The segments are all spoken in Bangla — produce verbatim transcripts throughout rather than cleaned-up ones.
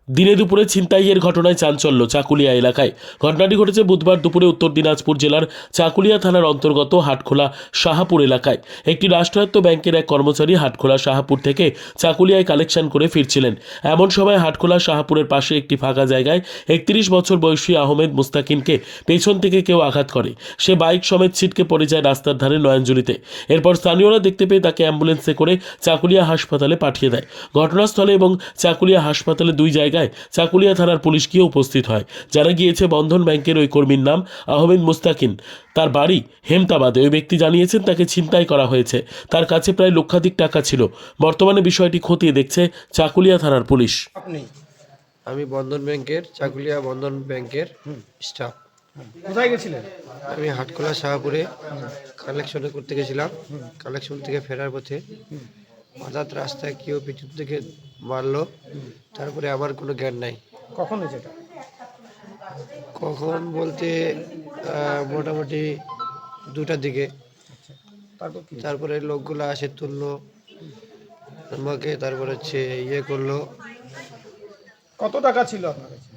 দিনে দুপুরে ছিনতাইয়ের ঘটনায় চাঞ্চল্য চাকুলিয়া এলাকায়। ঘটনাটি ঘটেছে বুধবার দুপুরে উত্তর দিনাজপুর জেলার চাকুলিয়া থানার অন্তর্গত হাটখোলা শাহাপুর এলাকায়। একটি রাষ্ট্রায়ত্ত ব্যাংকের এক কর্মচারী হাটখোলা শাহাপুর থেকে চাকুলিয়ায় কালেকশন করে ফিরছিলেন। এমন সময় হাটখোলা শাহাপুরের পাশে একটি ফাঁকা জায়গায় একত্রিশ বছর বয়সী আহমেদ মুস্তাকিনকে পেছন থেকে কেউ আঘাত করে। সে বাইক সমেত ছিটকে পড়ে যায় রাস্তার ধারে নয়নজুলিতে। এরপর স্থানীয়রা দেখতে পেয়ে তাকে অ্যাম্বুলেন্সে করে চাকুলিয়া হাসপাতালে পাঠিয়ে দেয়। ঘটনাস্থলে এবং চাকুলিয়া হাসপাতালে দুই জায়গায় চাকুলিয়া থানার পুলিশ গিয়ে উপস্থিত হয়। জানা গিয়েছে বন্ধন ব্যাংকের ওই কর্মীর নাম আহমেদ মুস্তাকিন। তার বাড়ি হেমতাবাদে। ওই ব্যক্তি জানিয়েছেন তাকে ছিনতাই করা হয়েছে। তার কাছে প্রায় লক্ষাধিক টাকা ছিল। বর্তমানে বিষয়টি খতিয়ে দেখছে চাকুলিয়া থানার পুলিশ। আপনি আমি বন্ধন ব্যাংকের চাকুলিয়া বন্ধন ব্যাংকের স্টাফ। কোথায় গেছিলেন? আমি হাটখোলা শাহপুরে কালেকশনে করতে গেছিলাম। কালেকশন থেকে ফেরার পথে হঠাৎ রাস্তায় কেউ পিছন থেকে মারলো। তারপরে আমার কোনো জ্ঞান নাই। কখন হয়েছে এটা? কখন বলতে আহ, মোটামুটি দুটার দিকে। তারপর কি? তারপরে লোকগুলো আসে তুললো আমাকে, তারপরে হচ্ছে ইয়ে করলো। কত টাকা ছিল আপনার কাছে?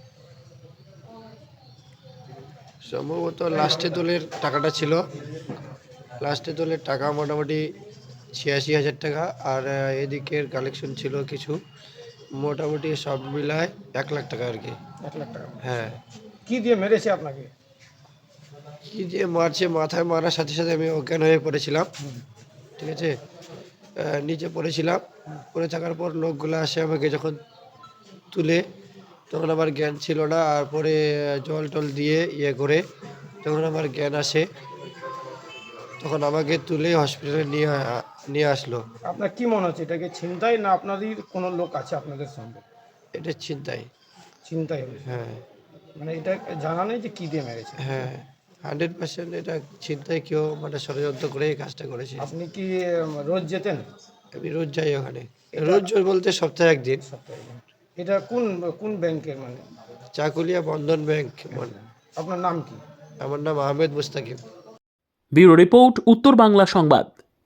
সম্ভবত লাস্টে দলের টাকাটা ছিল, লাস্টে দলের টাকা মোটামুটি ছিয়াশি হাজার টাকা, আর আহ, এদিকের কালেকশন ছিল কিছু, মোটামুটি সব মিলায় এক লাখ টাকা আর কি। এক লাখ টাকা। হ্যাঁ। কি দিয়ে মেরেছে আপনাকে? কি যে মারছে, মাথায় মারার সাথে সাথে আমি অজ্ঞান হয়ে পড়েছিলাম। ঠিক আছে, আহ, নিচে পড়েছিলাম। পড়ে থাকার পর লোকগুলো আসে আমাকে যখন তুলে, তখন আমার জ্ঞান ছিল না। আর পরে আহ, জল টল দিয়ে ইয়ে করে যখন আমার জ্ঞান আসে, তখন আমাকে তুলে হসপিটালে নিয়ে আ- নিয়ে আসলো। আপনার কি মনে হচ্ছে এটাকে ছিনতাই না আপনাদের কোনো লোক আছে আপনাদের সঙ্গে? এটা ছিনতাই। ছিনতাই হয়েছে। হ্যাঁ মানে এটা জানা নেই যে কি দিয়ে মেরেছে? হ্যাঁ, হান্ড্রেড পার্সেন্ট এটা ছিনতাই, কেউ মানে ষড়যন্ত্র করে এই কাজটা করেছে। আপনি কি উম, রোজ যেতেন? আমি রোজ যাই ওখানে, রোজ রোজ বলতে সপ্তাহে একদিন। সপ্তাহে? এটা কোন কোন ব্যাংকের মানে? চাকুলিয়া বন্ধন ব্যাংক। আপনার নাম কি? আমার নাম আহমেদ মুস্তাকিম। ব্যুরো রিপোর্ট, উত্তর বাংলা সংবাদ।